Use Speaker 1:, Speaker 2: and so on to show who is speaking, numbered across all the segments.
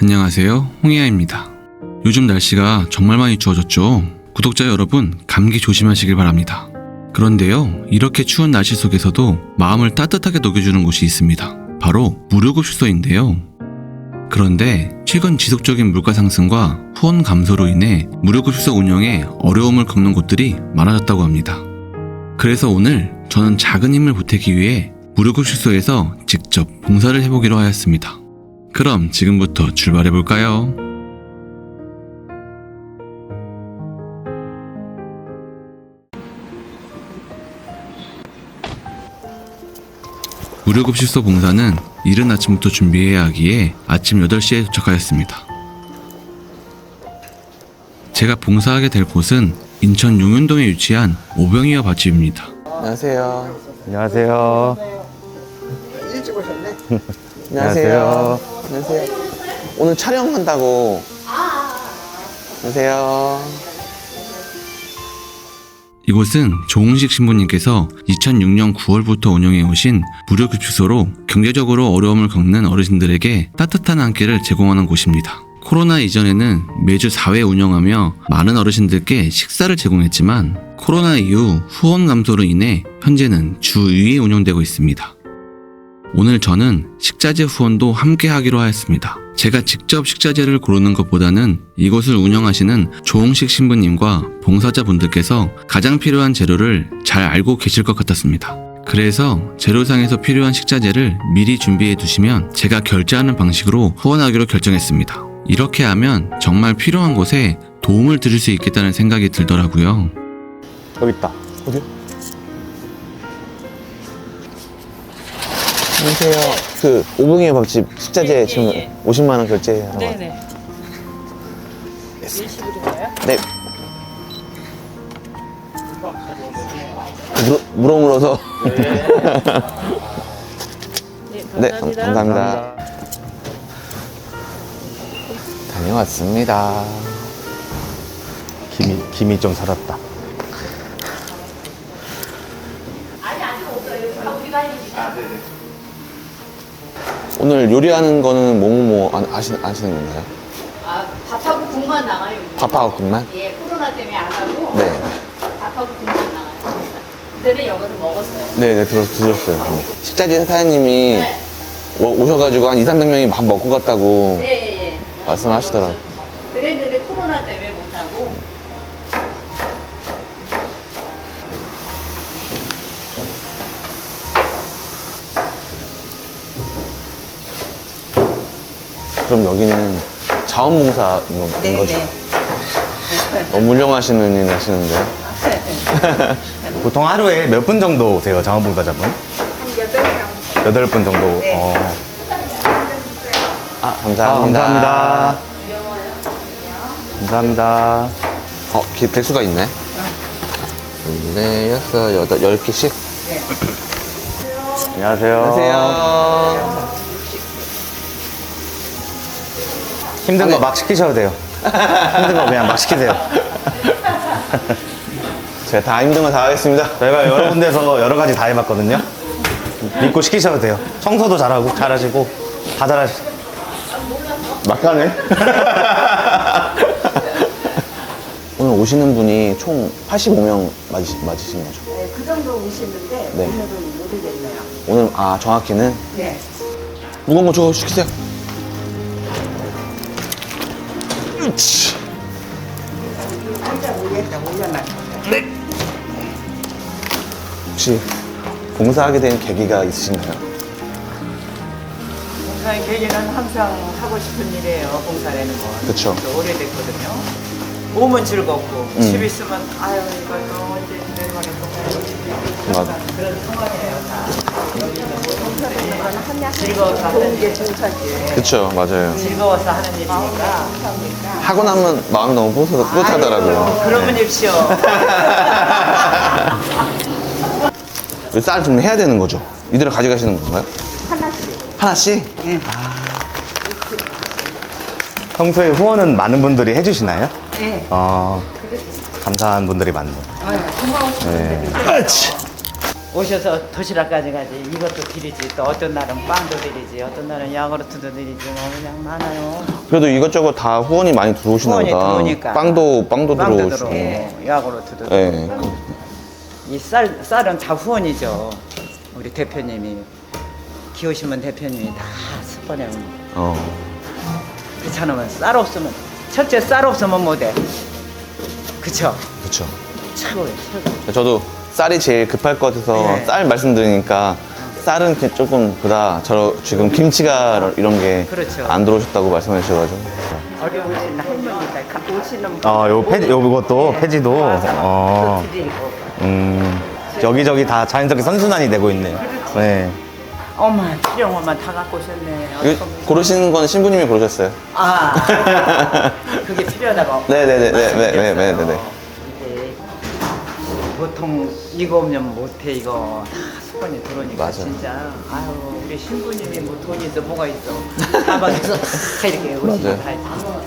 Speaker 1: 안녕하세요, 홍희아입니다. 요즘 날씨가 정말 많이 추워졌죠. 구독자 여러분, 감기 조심하시길 바랍니다. 그런데요, 이렇게 추운 날씨 속에서도 마음을 따뜻하게 녹여주는 곳이 있습니다. 바로 무료급식소인데요. 그런데 최근 지속적인 물가 상승과 후원 감소로 인해 무료급식소 운영에 어려움을 겪는 곳들이 많아졌다고 합니다. 그래서 오늘 저는 작은 힘을 보태기 위해 무료급식소에서 직접 봉사를 해보기로 하였습니다. 그럼 지금부터 출발해볼까요? 무료급식소 봉사는 이른 아침부터 준비해야 하기에 아침 8시에 도착하였습니다. 제가 봉사하게 될 곳은 인천 용현동에 위치한 오병이어 밭집입니다.
Speaker 2: 안녕하세요.
Speaker 3: 안녕하세요.
Speaker 4: 일찍 오셨네.
Speaker 2: 안녕하세요. 안녕하세요. 오늘 촬영한다고. 안녕하세요.
Speaker 1: 이곳은 조홍식 신부님께서 2006년 9월부터 운영해 오신 무료급식소로 경제적으로 어려움을 겪는 어르신들에게 따뜻한 한 끼를 제공하는 곳입니다. 코로나 이전에는 매주 4회 운영하며 많은 어르신들께 식사를 제공했지만 코로나 이후 후원 감소로 인해 현재는 주 2회 운영되고 있습니다. 오늘 저는 식자재 후원도 함께 하기로 하였습니다. 제가 직접 식자재를 고르는 것보다는 이곳을 운영하시는 조홍식 신부님과 봉사자분들께서 가장 필요한 재료를 잘 알고 계실 것 같았습니다. 그래서 재료상에서 필요한 식자재를 미리 준비해 두시면 제가 결제하는 방식으로 후원하기로 결정했습니다. 이렇게 하면 정말 필요한 곳에 도움을 드릴 수 있겠다는 생각이 들더라고요.
Speaker 3: 여기 있다.
Speaker 2: 어디요? 안녕하세요. 그 오봉이어 밥집 식자재 지금 50만 원 결제하라고.
Speaker 5: 네네. 일시불인가요?
Speaker 2: 네. 물어물어서.
Speaker 5: 네,
Speaker 2: 네,
Speaker 5: 감사합니다.
Speaker 2: 감사합니다. 다녀왔습니다.
Speaker 3: 김이 좀 살았다.
Speaker 2: 오늘 요리하는 거는 뭐뭐뭐 아시는 건가요?
Speaker 5: 밥하고 국만 나가요.
Speaker 2: 밥하고 국만?
Speaker 5: 예, 코로나 때문에 안 하고
Speaker 2: 네.
Speaker 5: 밥하고 국만 나가요. 그때는 여기서 먹었어요.
Speaker 2: 네네, 들었어요. 식자재 사장님이
Speaker 5: 네.
Speaker 2: 오셔가지고 한 200~300명이 밥 먹고 갔다고
Speaker 5: 예.
Speaker 2: 말씀하시더라고요.
Speaker 5: 그랬는데 코로나 때문에 못 하고.
Speaker 2: 그럼 여기는 자원봉사인 거죠? 너무 훌륭하시는 일 하시는데요?
Speaker 3: 보통 하루에 몇 분 정도 오세요, 자원봉사자분?
Speaker 4: 한 8명.
Speaker 3: 8분 정도.
Speaker 2: 감사합니다.
Speaker 3: 감사합니다.
Speaker 2: 백수가 있네. 네, 6, 8, 10개씩?
Speaker 3: 안녕하세요.
Speaker 2: 안녕하세요.
Speaker 3: 힘든 거 막 시키셔도 돼요. 힘든 거 그냥 막 시키세요.
Speaker 2: 제가 다 힘든 거 다 하겠습니다.
Speaker 3: 저희가 여러 군데서 여러 가지 다 해봤거든요. 믿고 시키셔도 돼요. 청소도 잘하시고, 다 잘하시고.
Speaker 2: 막가네. 오늘 오시는 분이 총 85명 맞으신 거죠?
Speaker 4: 네, 그 정도 오시는데
Speaker 2: 네.
Speaker 4: 오늘은 모르겠네요.
Speaker 2: 오늘, 정확히는?
Speaker 4: 네.
Speaker 2: 무거운 거 저거 시키세요. 으치.
Speaker 4: 살짝 올렸다 올려놔.
Speaker 2: 혹시 봉사하게 된 계기가 있으신가요?
Speaker 6: 봉사의 계기는 항상 하고 싶은 일이에요. 봉사라는 건.
Speaker 2: 그쵸.
Speaker 6: 오래됐거든요. 몸은 즐겁고 집 있으면 아유 이거 언제 내려가겠다.
Speaker 2: 맞아.
Speaker 6: 그런 상황이에요. 다.
Speaker 4: 하냐
Speaker 6: 즐거워서 하는
Speaker 4: 좋은 게
Speaker 6: 일.
Speaker 4: 정착이에요.
Speaker 2: 그쵸, 맞아요.
Speaker 6: 즐거워서 하는 일이니까.
Speaker 2: 하고 나면 마음이 너무 뿌듯하더라고요.
Speaker 6: 그러면 입시오.
Speaker 2: 쌀 좀 해야 되는 거죠? 이대로 가져가시는 건가요?
Speaker 4: 하나씩.
Speaker 2: 하나씩?
Speaker 3: 평소에 후원은 많은 분들이 해주시나요?
Speaker 4: 네.
Speaker 3: 감사한 분들이 많네요.
Speaker 4: 고마우시죠.
Speaker 3: 네.
Speaker 6: 오셔서 도시락까지 가지. 이것도 드리지. 또 어떤 날은 빵도 드리지. 어떤 날은 야구르트도 드리지. 뭐 그냥 많아요.
Speaker 2: 그래도 이것저것 다 후원이 많이 들어오시나
Speaker 6: 후원이
Speaker 2: 보다.
Speaker 6: 들어오니까.
Speaker 2: 빵도
Speaker 6: 빵도
Speaker 2: 들어오시고.
Speaker 6: 들어오고 야구르트도
Speaker 2: 네.
Speaker 6: 들어오고. 이 쌀은 다 후원이죠. 우리 대표님이 키우시면 대표님이 다 스폰해 옵니다. 그렇잖으면 쌀 없으면 첫째 쌀 없으면 못해. 그쵸?
Speaker 2: 그렇죠.
Speaker 6: 최고예요, 최고.
Speaker 2: 저도 쌀이 제일 급할 것 같아서
Speaker 6: 네.
Speaker 2: 쌀 말씀드리니까 쌀은 조금 보다 저 지금 김치가 이런 게
Speaker 6: 그렇죠.
Speaker 2: 안 들어오셨다고 말씀해 주셔가지고.
Speaker 6: 어려우신 할머니들 오시는
Speaker 3: 요것도 폐지도.
Speaker 6: 또 드리고.
Speaker 3: 여기저기 다 자연스럽게 선순환이 되고 있네요. 네.
Speaker 6: 어머 필요한 것만 다 갖고 오셨네.
Speaker 2: 이거 고르시는 건 신부님이 고르셨어요?
Speaker 6: 아 그게 필요하다고.
Speaker 2: 네네네네네네네.
Speaker 6: 이게 보통 이거 없으면 못해. 이거 다 수건이 들어오니까
Speaker 2: 맞아요.
Speaker 6: 진짜 아유 우리 신부님이 뭐 돈이 있어 뭐가 있어 사방에서 다 이렇게 오시면
Speaker 2: 맞아요.
Speaker 6: 다 있어.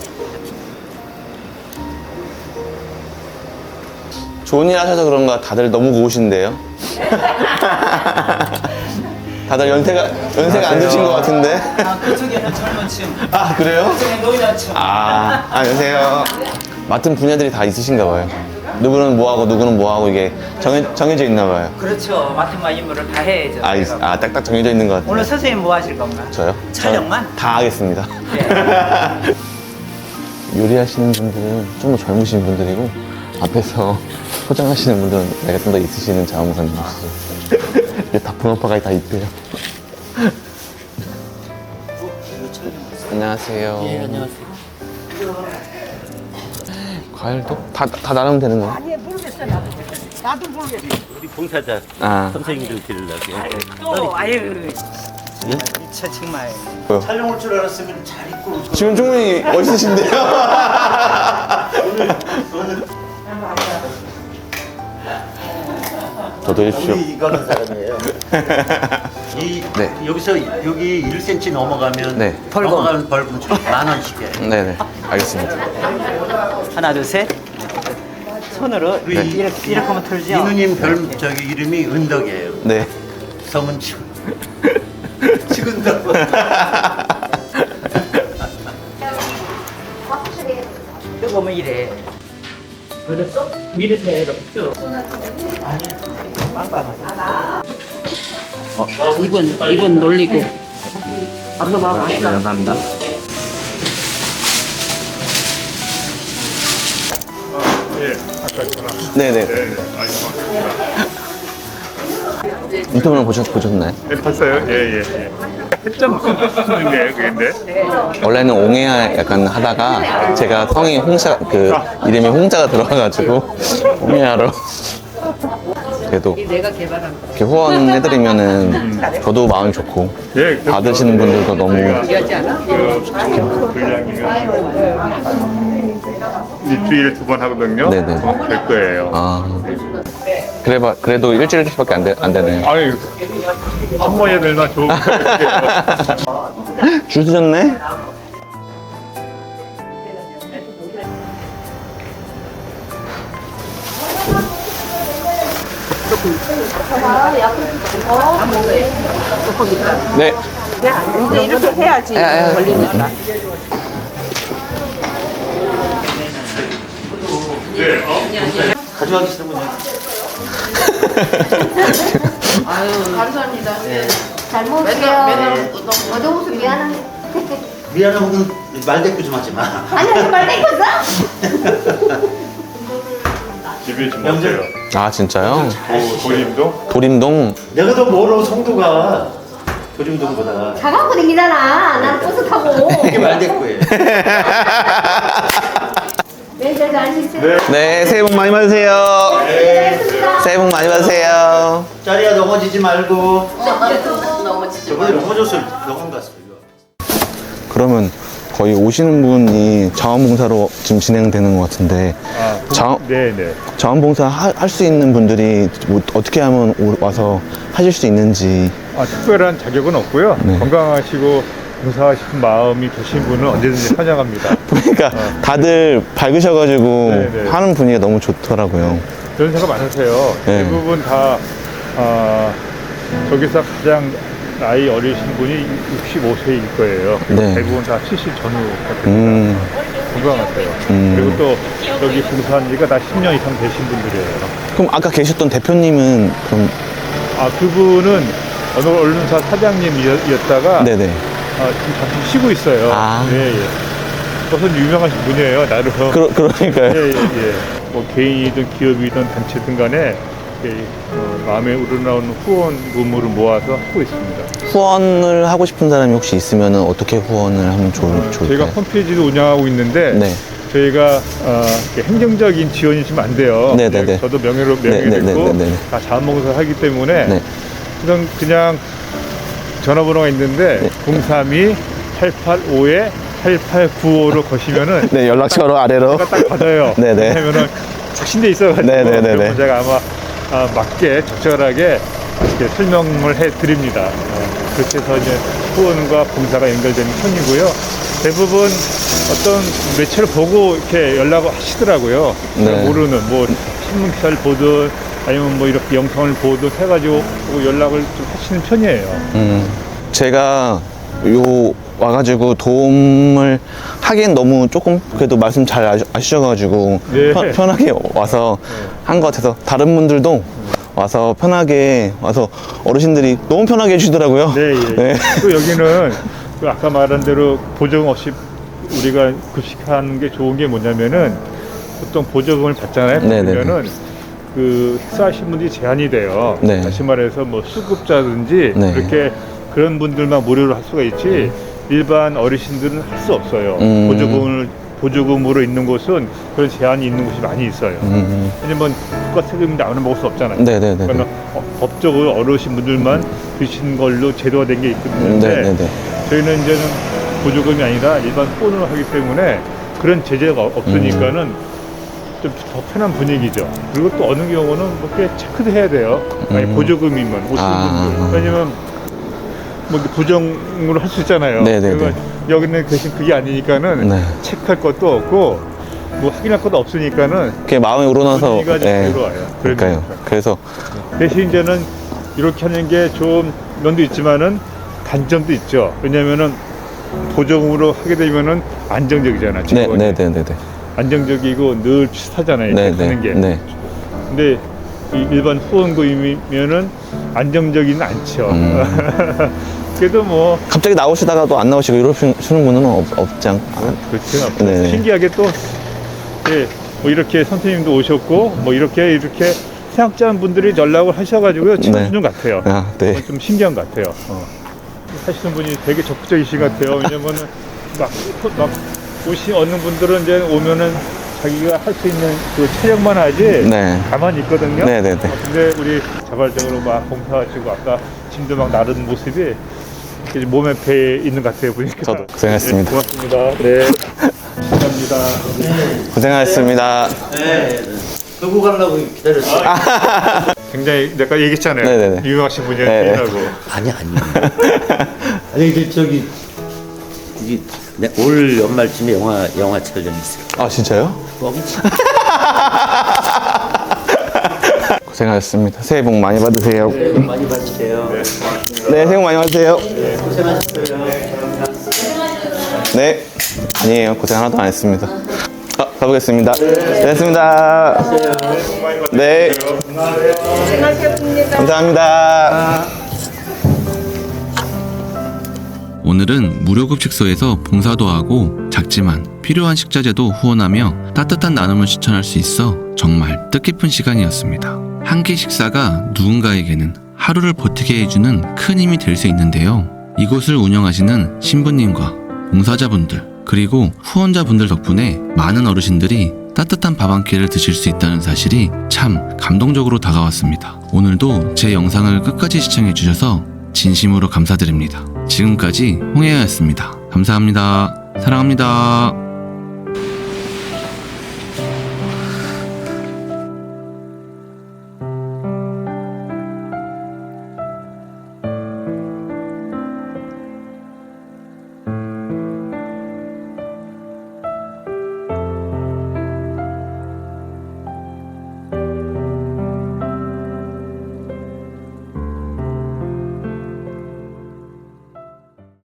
Speaker 2: 좋은 일 하셔서 그런가 다들 너무 고우신데요? 다들 연세가 안 드신 것 같은데?
Speaker 6: 아 그쪽에는 젊은 층,
Speaker 2: 아 그래요?
Speaker 6: 그쪽에 노인층.
Speaker 2: 안녕하세요. 맡은 분야들이 다 있으신가 봐요. 누구는 뭐하고 누구는 뭐하고 이게 정해져 있나 봐요.
Speaker 6: 그렇죠. 맡은 바 임무를 다 해야죠. 저희가.
Speaker 2: 딱딱 정해져 있는 것 같아요.
Speaker 6: 오늘 선생님 뭐 하실 건가?
Speaker 2: 저요?
Speaker 6: 촬영만?
Speaker 2: 저는 다 하겠습니다.
Speaker 6: 네.
Speaker 2: 요리하시는 분들은 좀 더 젊으신 분들이고 앞에서 포장하시는 분들은 나이가 좀 더 있으시는 자원사님이시죠. 이게 다 붕어파가 다 있대요. 안녕하세요.
Speaker 7: 예, 안녕하세요.
Speaker 2: 과일도? 다 나누면 되는 거야?
Speaker 4: 아니 모르겠어 나도 모르겠어.
Speaker 7: 우리 봉사자
Speaker 2: 아,
Speaker 7: 선생님들 드리려고.
Speaker 6: 또 아유 미쳐 정말.
Speaker 7: 촬영 올 줄 알았으면 잘 입고 올 걸.
Speaker 2: 지금 충분히 멋있으신데요? 저도 해주십시오.
Speaker 7: 우리 이거는 사람이에요.
Speaker 2: 네.
Speaker 7: 여기서 여기 1cm 넘어가면
Speaker 2: 네.
Speaker 7: 넘어가는 벌금 10,000원씩이에요.
Speaker 2: 네네, 알겠습니다.
Speaker 6: 하나 둘 셋. 손으로
Speaker 7: 네.
Speaker 6: 이렇게 하면 털죠.
Speaker 7: 이누님 이름이 은덕이에요.
Speaker 2: 네.
Speaker 7: 성은 치근덕.
Speaker 6: 뜨거우면 이래. 그래서 밀으세요 이렇게.
Speaker 5: 이번 놀리고. 앞서 봐봐.
Speaker 2: 감사합니다. 네네. 인터뷰를 보셨나요?
Speaker 8: 네, 봤어요. 예, 예, 예. 했죠, 무슨 게 그게
Speaker 2: 원래는 옹해야 약간 하다가 제가 성이 이름이 홍자가 들어와가지고 옹해야로 그래도
Speaker 5: 내가 개발한 거.
Speaker 2: 이렇게 후원해드리면은 저도 마음이 좋고
Speaker 8: 예,
Speaker 2: 받으시는 분들도 너무
Speaker 5: 하지 않아?
Speaker 8: 분량이면 일주일에 2번 하거든요.
Speaker 2: 네네.
Speaker 8: 될 거예요.
Speaker 2: 그래도 일주일밖에 안 되네요.
Speaker 8: 아유, 한 번에 될만 좋은 거 같아요.
Speaker 2: 줄 서셨네? 네.
Speaker 4: 근데 이렇게 해야지 걸리니까.
Speaker 7: 가져가시는 분이
Speaker 5: 감사합니다.
Speaker 9: 잘 먹을게요. 어두워서 미안한데.
Speaker 7: 미안하면 말대꾸 좀 하지 마.
Speaker 9: 아니, 아니, 말 땡겼어?
Speaker 8: 집에 좀 없어요.
Speaker 2: 아 진짜요?
Speaker 8: 도림도?
Speaker 2: 도림동.
Speaker 7: 내가 더 멀어 성도가 도림동보다.
Speaker 9: 차 갖고 다니잖아. 난 버스 타고.
Speaker 7: 이게 말대꾸예요.
Speaker 9: 매니저 잘 쉬세요.
Speaker 2: 네, 새해 복 많이 받으세요. 새해 복 많이 받으세요.
Speaker 7: 자리야 넘어지지 말고. 저번에 넘어졌을 병원 갔어요.
Speaker 2: 그러면 거의 오시는 분이 자원봉사로 지금 진행되는 것 같은데
Speaker 8: 네네.
Speaker 2: 자원봉사 할 수 있는 분들이 뭐 어떻게 하면 와서 하실 수 있는지.
Speaker 8: 특별한 자격은 없고요.
Speaker 2: 네.
Speaker 8: 건강하시고 봉사하고 싶은 마음이 계신 분은 언제든지 환영합니다.
Speaker 2: 그러니까 다들 밝으셔가지고
Speaker 8: 네네.
Speaker 2: 하는 분위기가 너무 좋더라고요.
Speaker 8: 연세가 많으세요.
Speaker 2: 네.
Speaker 8: 대부분 다 저기서 가장 나이 어리신 분이 65세일 거예요.
Speaker 2: 네.
Speaker 8: 대부분 다 70 전후 같습니다. 건강하세요. 그리고 또 여기 봉사한 지가 다 10년 이상 되신 분들이에요.
Speaker 2: 그럼 아까 계셨던 대표님은 그럼
Speaker 8: 그분은 어느 언론사 사장님이었다가
Speaker 2: 네네.
Speaker 8: 지금 잠시 쉬고 있어요.
Speaker 2: 아.
Speaker 8: 예. 그것은 유명하신 분이에요, 나름.
Speaker 2: 그러니까요.
Speaker 8: 예. 뭐 개인이든 기업이든 단체든 간에 마음에 우러나오는 후원 의무를 모아서 하고 있습니다.
Speaker 2: 후원을 하고 싶은 사람이 혹시 있으면 어떻게 후원을 하면 좋을까요?
Speaker 8: 저희가 홈페이지도 운영하고 있는데
Speaker 2: 네.
Speaker 8: 저희가 행정적인 지원이 좀 안 돼요.
Speaker 2: 네네네.
Speaker 8: 저도 명예롭고
Speaker 2: 네네네네네.
Speaker 8: 다 자원봉사를 하기 때문에
Speaker 2: 네.
Speaker 8: 그냥 전화번호가 있는데
Speaker 2: 네.
Speaker 8: 032-885-8895로 거시면은
Speaker 2: 네, 연락처로 아래로.
Speaker 8: 제가 딱 받아요.
Speaker 2: 네네.
Speaker 8: 왜냐면은 확신돼 있어가지고
Speaker 2: 네네네네.
Speaker 8: 그래서 제가 아마 맞게 적절하게 이렇게 설명을 해드립니다. 그렇게 해서 이제 후원과 봉사가 연결되는 편이고요. 대부분 어떤 매체를 보고 이렇게 연락을 하시더라고요.
Speaker 2: 네.
Speaker 8: 모르는 뭐 신문 기사를 보든 아니면 뭐 이렇게 영상을 보든 해가지고 연락을 좀 하시는 편이에요.
Speaker 2: 제가 와가지고 도움을 하기엔 너무 조금 그래도 말씀 잘 아주셔가지고
Speaker 8: 네.
Speaker 2: 편하게 와서 한 것 같아서 다른 분들도 와서 편하게 와서 어르신들이 너무 편하게 해주시더라고요.
Speaker 8: 네, 예.
Speaker 2: 네.
Speaker 8: 또 여기는 그 아까 말한 대로 보조금 없이 우리가 급식하는 게 좋은 게 뭐냐면은 보통 보조금을 받잖아요.
Speaker 2: 네, 네,
Speaker 8: 그러면은 그 식사하신 분들이 제한이 돼요.
Speaker 2: 네.
Speaker 8: 다시 말해서 뭐 수급자든지
Speaker 2: 네.
Speaker 8: 그렇게 그런 분들만 무료로 할 수가 있지 일반 어르신들은 할 수 없어요. 보조금으로 있는 곳은 그런 제한이 있는 곳이 많이 있어요. 왜냐면 국가 세금인데 아무나 먹을 수 없잖아요.
Speaker 2: 네네네.
Speaker 8: 그러면 법적으로 어르신 분들만 드시는 걸로 제도가 된 게 있는데
Speaker 2: 네네네.
Speaker 8: 저희는 이제는 보조금이 아니라 일반 후원으로 하기 때문에 그런 제재가 없으니까는 좀 더 편한 분위기죠. 그리고 또 어느 경우는 뭐 꽤 체크도 해야 돼요. 아니 보조금이면 오시는 분들. 왜냐면 뭐 부정으로 할 수 있잖아요.
Speaker 2: 네네네.
Speaker 8: 그러니까 여기는 대신 그게 아니니까는
Speaker 2: 네.
Speaker 8: 체크할 것도 없고 뭐 확인할 것도 없으니까는
Speaker 2: 그게 마음에 우러나서.
Speaker 8: 분위기가 좀
Speaker 2: 네.
Speaker 8: 들어와요.
Speaker 2: 그러니까요. 그래서
Speaker 8: 대신 이제는 이렇게 하는 게 좋은 면도 있지만은 단점도 있죠. 왜냐면은 보조금으로 하게 되면은 안정적이잖아. 직원이.
Speaker 2: 네네네네.
Speaker 8: 안정적이고 늘 비슷하잖아요. 이렇게 하는 게.
Speaker 2: 네.
Speaker 8: 근데 이 일반 후원금이면은 안정적이는 않죠. 그래도 뭐
Speaker 2: 갑자기 나오시다가도 안 나오시고 이러시는 분은 없지 않.
Speaker 8: 그렇죠.
Speaker 2: 네.
Speaker 8: 신기하게 또 뭐 이렇게 선생님도 오셨고 뭐 이렇게 생각자한 분들이 연락을 하셔가지고요. 친구분
Speaker 2: 네.
Speaker 8: 같아요.
Speaker 2: 아, 네.
Speaker 8: 그건 좀 신기한 것 같아요. 하시는 분이 되게 적극적이신 것 같아요. 왜냐면은 막 얻는 분들은 이제 오면은 자기가 할 수 있는 그 촬영만 하지
Speaker 2: 네.
Speaker 8: 가만히 있거든요.
Speaker 2: 네네네.
Speaker 8: 근데 우리 자발적으로 막 봉사하시고 아까 짐도 막 나르는 모습이 이렇게 몸에 배 있는 것 같아요 보니까.
Speaker 2: 저도 고생하셨습니다.
Speaker 8: 네, 고맙습니다. 네. 감사합니다.
Speaker 2: 고생하셨습니다.
Speaker 7: 네. 두고 가려고 기다렸어요.
Speaker 8: 굉장히 내가 얘기했잖아요.
Speaker 2: 네네네.
Speaker 8: 유명하신 분이라고.
Speaker 2: 네네.
Speaker 7: 아니. 아니 근데 저기 이게 올 연말쯤에 영화 촬영이 있어요.
Speaker 2: 아, 진짜요? 고생하셨습니다. 새해 복 많이 받으세요.
Speaker 7: 네, 많이 받으세요.
Speaker 2: 네, 새해 복 많이 받으세요.
Speaker 7: 고생하셨어요.
Speaker 2: 네. 아니에요. 고생 하나도 안 했습니다. 가보겠습니다. 됐습니다. 네. 감사합니다.
Speaker 1: 오늘은 무료급식소에서 봉사도 하고 작지만 필요한 식자재도 후원하며 따뜻한 나눔을 실천할 수 있어 정말 뜻깊은 시간이었습니다. 한 끼 식사가 누군가에게는 하루를 버티게 해주는 큰 힘이 될 수 있는데요. 이곳을 운영하시는 신부님과 봉사자분들 그리고 후원자분들 덕분에 많은 어르신들이 따뜻한 밥 한 끼를 드실 수 있다는 사실이 참 감동적으로 다가왔습니다. 오늘도 제 영상을 끝까지 시청해주셔서 진심으로 감사드립니다. 지금까지 홍혜아였습니다. 감사합니다. 사랑합니다.